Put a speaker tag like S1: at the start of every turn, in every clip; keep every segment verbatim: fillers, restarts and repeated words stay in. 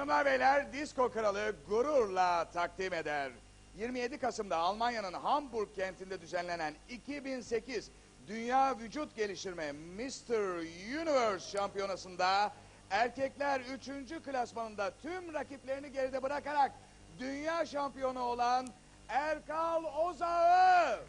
S1: Hanımlar beyler, Disko Kralı gururla takdim eder. yirmi yedi Kasım'da Almanya'nın Hamburg kentinde düzenlenen iki bin sekiz Dünya Vücut Geliştirme mister Universe şampiyonasında erkekler üçüncü klasmanında tüm rakiplerini geride bırakarak dünya şampiyonu olan Erkal Ozağ'ı.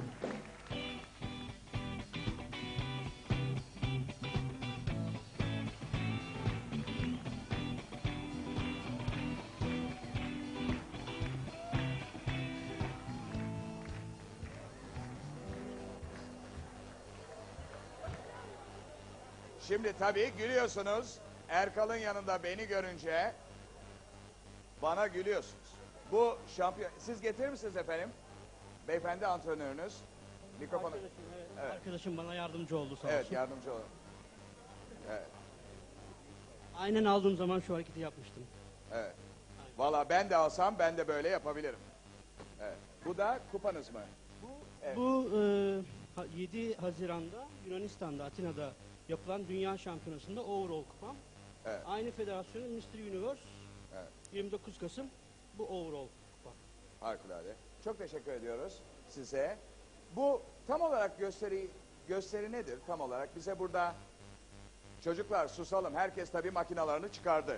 S1: Şimdi tabii gülüyorsunuz. Erkal'ın yanında beni görünce bana gülüyorsunuz. Bu şampiyon... Siz getirir misiniz efendim? Beyefendi antrenörünüz. Mikrofonu...
S2: Arkadaşım, evet.
S1: Evet.
S2: Arkadaşım bana yardımcı oldu sağ
S1: Evet,
S2: olsun.
S1: yardımcı olun. Evet,
S2: Aynen aldığım zaman şu hareketi yapmıştım.
S1: evet. Valla ben de alsam ben de böyle yapabilirim. Evet. Bu da kupanız mı? Evet.
S2: Bu e, ha- yedi Haziran'da Yunanistan'da, Atina'da yapılan Dünya Şampiyonası'nda overall kupam.
S1: Evet.
S2: Aynı federasyonun mister Universe
S1: Evet.
S2: yirmi dokuz Kasım bu overall kupa.
S1: Harikulade. Çok teşekkür ediyoruz size. Bu tam olarak gösteri gösteri nedir tam olarak? Bize burada çocuklar susalım. Herkes tabii makinalarını çıkardı.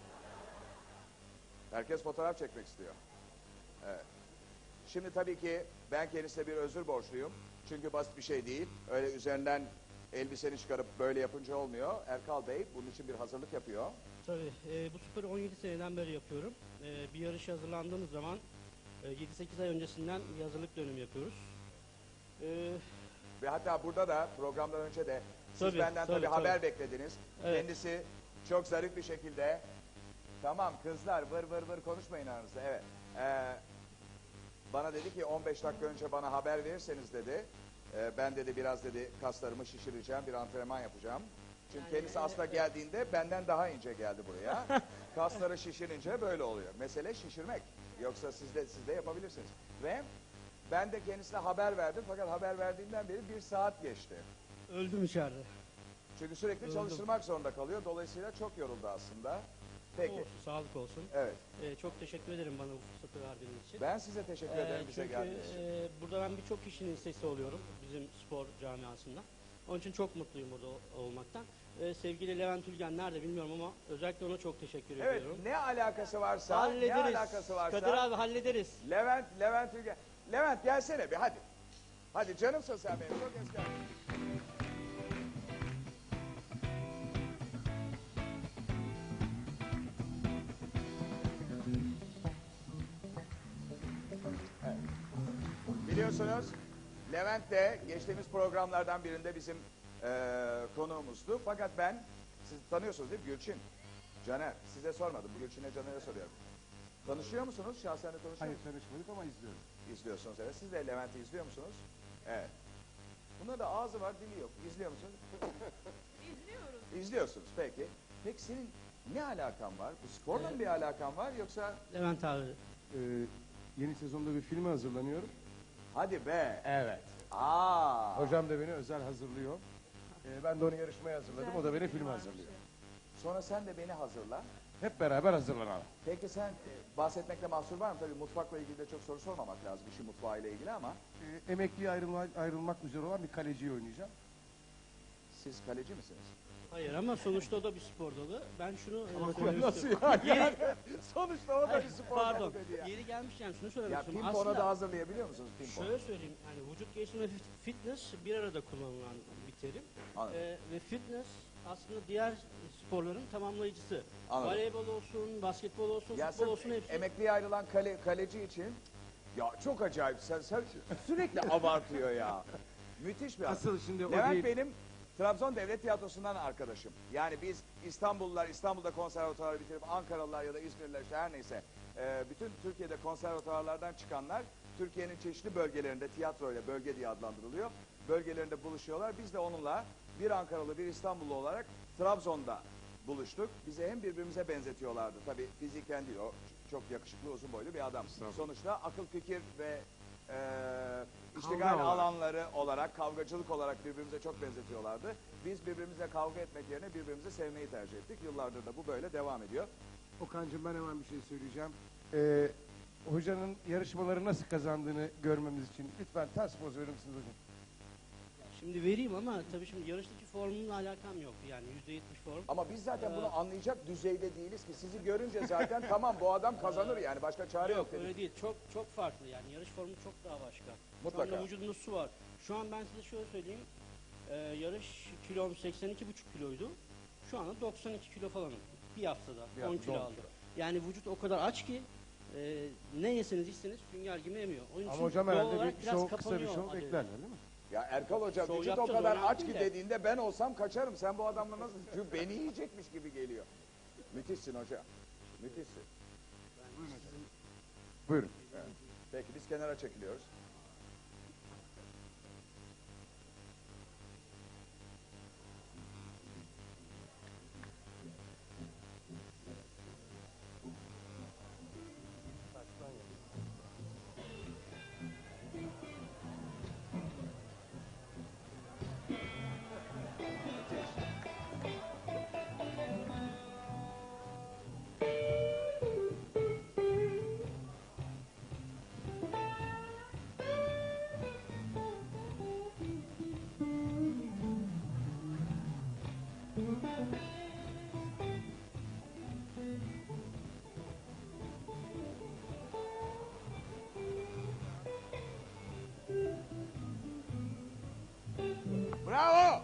S1: Herkes fotoğraf çekmek istiyor. Evet. Şimdi tabii ki ben kendisine bir özür borçluyum. Çünkü basit bir şey değil. Öyle üzerinden elbiseni çıkarıp böyle yapınca olmuyor. Erkal Bey bunun için bir hazırlık yapıyor.
S2: Tabii e, bu sporu on yedi seneden beri yapıyorum. E, bir yarışa hazırlandığımız zaman e, yedi sekiz ay öncesinden bir hazırlık dönemi yapıyoruz. E,
S1: Ve hatta burada da programdan önce de siz
S2: Tabii,
S1: benden tabii,
S2: tabii,
S1: haber
S2: tabii.
S1: beklediniz.
S2: Evet.
S1: Kendisi çok zarif bir şekilde tamam kızlar vır vır vır konuşmayın aranızda. Evet. Ee, bana dedi ki on beş dakika önce bana haber verirseniz dedi. e, ben dedi biraz dedi kaslarımı şişireceğim, bir antrenman yapacağım. Çünkü
S2: Yani,
S1: kendisi
S2: evet,
S1: aslında
S2: evet.
S1: geldiğinde benden daha ince geldi buraya. Kasları şişirince böyle oluyor. Mesele şişirmek. Yoksa siz de, siz de yapabilirsiniz. Ve ben de kendisine haber verdim fakat haber verdiğimden beri bir saat geçti.
S2: öldüm içeride.
S1: Çünkü sürekli
S2: Öldüm.
S1: çalıştırmak zorunda kalıyor. Dolayısıyla çok yoruldu aslında. Peki.
S2: Olsun, sağlık olsun.
S1: Evet.
S2: Ee, çok teşekkür ederim bana bu fırsatı verdiğiniz için.
S1: Ben size teşekkür
S2: Ee,
S1: ederim bize
S2: çünkü
S1: geldiğiniz için.
S2: e, burada ben birçok kişinin sesi oluyorum bizim spor camiasında. Onun için çok mutluyum burada ol- olmaktan. Ee, sevgili Levent Ülgen nerede bilmiyorum ama özellikle ona çok teşekkür
S1: Evet,
S2: ediyorum.
S1: ne alakası varsa,
S2: Hallederiz.
S1: ne alakası varsa.
S2: Kadir abi hallederiz.
S1: Levent, Levent Ülgen. Levent gelsene bir hadi. Hadi canımsın sen benim. Çok eski. Evet. Biliyorsunuz Levent de geçtiğimiz programlardan birinde bizim eee konuğumuzdu. Fakat ben, siz tanıyorsunuz değil mi? Gülçin, Caner. Size sormadım. Gülçin'e Caner'e soruyorum. Tanışıyor musunuz? Şahsen de tanışıyor
S3: Hayır
S1: musunuz?
S3: tanışmadık ama izliyorum.
S1: İzliyorsunuz evet. Siz de Levent'i izliyor musunuz? Evet. Bunda da ağzı var, dili yok. İzliyor musunuz?
S4: İzliyoruz.
S1: İzliyorsunuz peki. Peki senin ne alakan var? Bu sporla mı bir alakan var yoksa?
S2: Levent abi.
S3: Ee, yeni sezonda bir filme hazırlanıyorum.
S1: Hadi be.
S3: Evet.
S1: Aa.
S3: Hocam da beni özel hazırlıyor. Ee, ben de onu yarışmaya hazırladım. O da beni filme hazırlıyor.
S1: Sonra sen de beni hazırla.
S3: Hep beraber hazırlanalım.
S1: Peki sen e, bahsetmekle mahsur var mı? Tabii mutfakla ilgili de çok soru sormamak lazım. İşin mutfağıyla ilgili ama.
S3: Ee, emekliye ayrılma, ayrılmak üzere olan bir kaleciyi oynayacağım.
S1: Siz kaleci misiniz?
S2: Hayır ama sonuçta o da bir spor dalı. Ben şunu e,
S1: Ama
S2: söylemek
S1: nasıl
S2: istiyorum.
S1: yani? yani? Sonuçta o da
S2: Hayır,
S1: bir spor
S2: Pardon.
S1: dalı dedi ya.
S2: Yeri gelmişken şunu söylemek
S1: Ya
S2: istiyorum.
S1: pimponu
S2: Aslında-
S1: da hazırlayabiliyor musunuz pimpon?
S2: Şöyle söyleyeyim, yani vücut geliştirme ve fit- fitness bir arada kullanılan bir terim.
S1: Anladım.
S2: Ee, ve fitness aslında diğer sporların tamamlayıcısı.
S1: Anladım.
S2: Voleybol olsun, basketbol olsun,
S1: Ya
S2: futbol
S1: sırf
S2: olsun hepsi.
S1: emekliye ayrılan kale, kaleci için ya çok acayip sen, sen sürekli abartıyor ya. Müthiş bir adam.
S3: Asıl şimdi o
S1: Levent
S3: değil.
S1: benim Trabzon Devlet Tiyatrosu'ndan arkadaşım. Yani biz İstanbullular İstanbul'da konservatuvarı bitirip Ankaralılar ya da İzmirliler işte her neyse e, bütün Türkiye'de konservatuvarlardan çıkanlar Türkiye'nin çeşitli bölgelerinde tiyatroyla bölge diye adlandırılıyor. Bölgelerinde buluşuyorlar. Biz de onunla bir Ankaralı bir İstanbullu olarak Trabzon'da buluştuk. Bizi hem birbirimize benzetiyorlardı. Tabii fiziken değil o çok yakışıklı uzun boylu bir adam. Sonuçta akıl fikir ve e, iştigal
S3: Kavga olarak.
S1: alanları olarak, kavgacılık olarak birbirimize çok benzetiyorlardı. Biz birbirimizle kavga etmek yerine birbirimizi sevmeyi tercih ettik. Yıllardır da bu böyle devam ediyor.
S3: Okan'cığım ben hemen bir şey söyleyeceğim. Ee, hocanın yarışmaları nasıl kazandığını görmemiz için lütfen ters poz verir misiniz hocam?
S2: Şimdi vereyim ama tabii şimdi yarıştaki formumla alakam yok. Yani yüzde yetmiş form.
S1: Ama biz zaten
S2: Ee,
S1: bunu anlayacak düzeyde değiliz ki. Sizi görünce zaten tamam bu adam kazanır yani. Başka çare yok,
S2: Yok
S1: dedik.
S2: öyle değil. Çok çok farklı yani. Yarış formu çok daha başka.
S1: Mutlaka.
S2: Şu anda vücudumda su var. Şu an ben size şöyle söyleyeyim. Ee, yarış kilom seksen iki buçuk kiloydu. Şu anda doksan iki kilo falanım. Bir haftada
S1: Bir
S2: on
S1: haftada
S2: kilo
S1: on
S2: aldım.
S1: kilo.
S2: Yani vücut o kadar aç ki e, ne yeseniz içseniz sünger gibi emiyor. Onun
S3: Ama
S2: için
S3: hocam
S2: doğal
S3: herhalde
S2: olarak
S3: bir
S2: biraz
S3: şov, kısa bir
S2: kapanıyor
S3: şov
S2: adeta.
S3: beklerler değil mi?
S1: Ya Erkal Hoca
S2: Şov
S1: vücut o
S2: yapacağız,
S1: kadar
S2: önemli
S1: aç
S2: değil
S1: ki
S2: de.
S1: dediğinde ben olsam kaçarım. Sen bu adamla nasıl? Çünkü beni yiyecekmiş gibi geliyor. Müthişsin hoca. Müthişsin.
S3: Buyurun.
S1: Evet. Peki biz kenara çekiliyoruz. Bravo!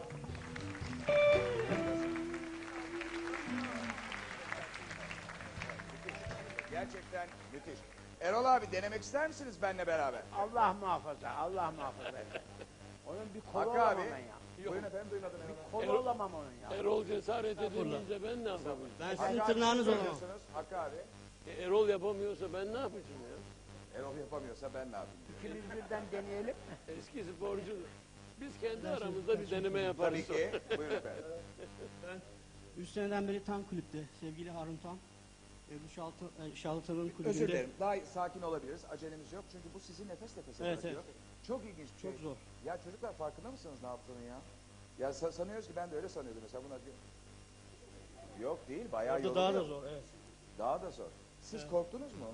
S1: Gerçekten müthiş. Erol abi denemek ister misiniz benimle beraber?
S5: Allah muhafaza, Allah muhafaza. Onun bir kolu
S1: Hakkı
S5: olamam
S1: abi.
S5: ben ya.
S1: Buyurun efendim duymadım Erol abi.
S5: Kolu olamam onun ya.
S6: Erol cesaret edemeyince ben ne yapayım?
S2: Ben
S1: Hakkı
S2: sizin
S1: abi,
S2: tırnağınız
S1: siz
S2: olamam.
S1: söylüyorsunuz. Hakkı abi.
S6: E, Erol yapamıyorsa ben ne yapacağım ya?
S1: Erol yapamıyorsa ben ne yapayım diyor.
S5: İkimiz birden deneyelim.
S6: Eski sporcu. Biz kendi aramızda bir deneme yaparız.
S1: Tabii ki. Buyurun efendim.
S2: üç seneden beri Tan kulüpte. Sevgili Harun Tan. E, bu Şaltı, e, Şaltı'nın kulübünde.
S1: Özür dilerim. Daha sakin olabiliriz. Acelemiz yok. Çünkü bu sizi nefes nefese
S2: Evet,
S1: bırakıyor. Çok ilginç bir şey.
S2: Çok zor.
S1: Ya çocuklar farkında mısınız ne yaptığını ya? Ya sa- sanıyoruz ki ben de öyle sanıyordum mesela buna diyor. Yok değil bayağı
S2: Orada
S1: yoruluyor.
S2: daha da zor. Evet.
S1: Daha da zor. Siz
S2: Evet.
S1: korktunuz mu?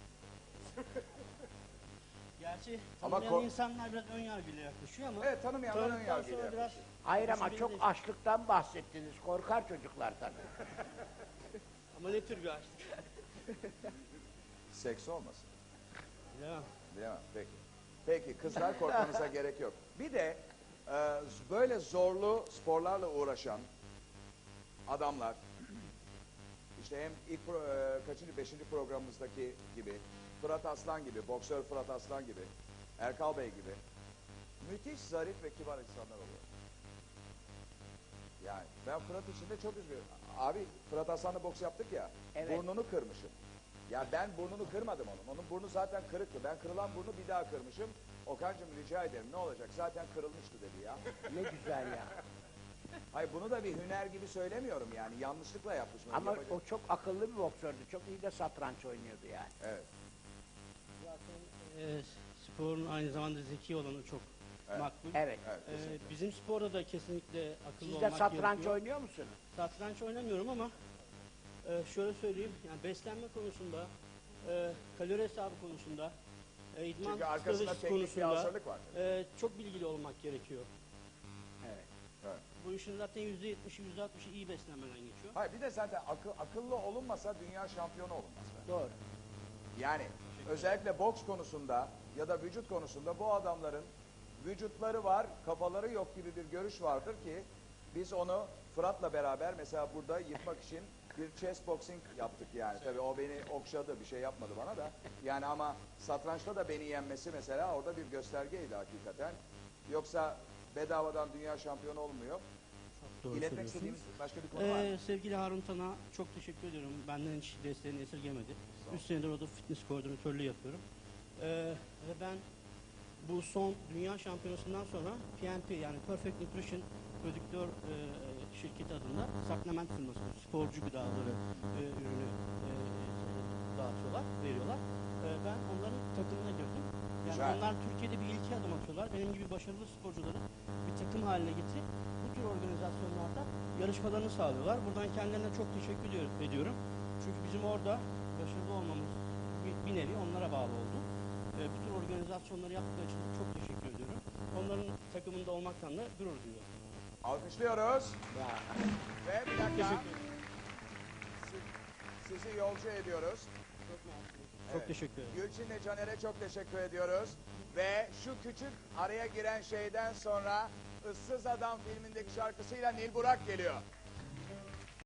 S2: Gerçi
S1: Ama
S2: tanımayan
S1: kork-
S2: insanlar biraz ön yargıyla yaklaşıyor ama
S1: Evet tanımayanlar ön
S2: tanıdıktan
S1: yargıyla.
S2: sonra biraz
S5: Hayır ama
S2: düşünmeli
S5: çok
S2: değil.
S5: açlıktan bahsettiniz. Korkar çocuklar tabii.
S2: Ama ne tür bir açlık?
S1: Seks olmasın.
S2: Bilemem.
S1: Bilemem. Peki. Peki kızlar korkmanıza gerek yok. Bir de e, böyle zorlu sporlarla uğraşan adamlar işte hem ilk pro, e, kaçıncı beşinci programımızdaki gibi Fırat Aslan gibi, boksör Fırat Aslan gibi, Erkal Bey gibi müthiş zarif ve kibar insanlar oluyor. Yani ben Fırat için de çok üzgünüm. Abi Fırat Aslan'la boks yaptık ya,
S5: Evet.
S1: burnunu kırmışım. Ya ben burnunu kırmadım onun. Onun burnu zaten kırıktı. Ben kırılan burnu bir daha kırmışım. Okan'cığım rica ederim ne olacak? Zaten kırılmıştı dedi ya.
S5: Ne güzel ya.
S1: Hayır bunu da bir hüner gibi söylemiyorum yani. Yanlışlıkla yapmış. bunu,
S5: Ama
S1: yapacak-
S5: o çok akıllı bir boksördü. Çok iyi de satranç oynuyordu yani.
S1: Evet.
S2: Zaten e, sporun aynı zamanda zeki olanı çok
S1: Evet.
S2: makbul.
S5: Evet.
S1: Evet.
S2: E,
S1: kesinlikle.
S2: bizim sporda da kesinlikle akıllı
S5: Siz de
S2: olmak
S5: satranç
S2: gerekiyor.
S5: oynuyor musunuz?
S2: Satranç oynamıyorum ama e, şöyle söyleyeyim, yani beslenme konusunda, e, kalori hesabı konusunda, e, idman
S1: Çünkü arkasında
S2: stratejisi
S1: teknik bir
S2: konusunda
S1: hazırlık var.
S2: e, çok bilgili olmak gerekiyor.
S5: Evet.
S1: Evet.
S2: Bu işin zaten yüzde yetmişi, yüzde altmışı iyi beslenmeden geçiyor.
S1: Hayır bir de zaten akıl, akıllı olunmasa dünya şampiyonu olunmaz. be.
S5: Doğru.
S1: Yani özellikle boks konusunda ya da vücut konusunda bu adamların vücutları var, kafaları yok gibi bir görüş vardır ki biz onu Fırat'la beraber mesela burada yıkmak için bir chess boxing yaptık yani. Tabii o beni okşadı, bir şey yapmadı bana da. Yani ama satrançta da beni yenmesi mesela orada bir göstergeydi hakikaten. Yoksa bedavadan dünya şampiyonu olmuyor.
S2: Doğru
S1: İletmek
S2: söylüyorsunuz.
S1: istediğimiz başka bir konu var mı?
S2: Ee, sevgili Harun Tan'a çok teşekkür ediyorum. Benden hiç desteğini esirgemedi. Üç senedir orada fitness koordinatörlüğü yapıyorum. Ee, ve ben bu son dünya şampiyonasından sonra P N P yani Perfect Nutrition prodüktör e, şirketi adında supplement firması, sporcu gıdaları e, ürünü e, dağıtıyorlar, veriyorlar. E, ben onların takımına girdim. Yani
S1: Güzel.
S2: onlar Türkiye'de bir ilki adım atıyorlar. Benim gibi başarılı sporcuları bir takım haline getirip bu tür organizasyonlarda yarışmalarını sağlıyorlar. Buradan kendilerine çok teşekkür ediyorum. ediyorum. Çünkü bizim orada başarılı olmamız bir, bir nevi onlara bağlı oldu. E, bütün organizasyonları yaptıkları için de çok teşekkür ediyorum. Onların takımında olmaktan da gurur duyuyorum.
S1: Alkışlıyoruz. Ve bir dakika.
S2: Teşekkür ederim.
S1: si- Sizi yolcu ediyoruz.
S2: Çok
S1: Evet.
S2: teşekkür ederim.
S1: Gülçin'le Caner'e çok teşekkür ediyoruz. Ve şu küçük araya giren şeyden sonra Issız Adam filmindeki şarkısıyla Nil Burak geliyor.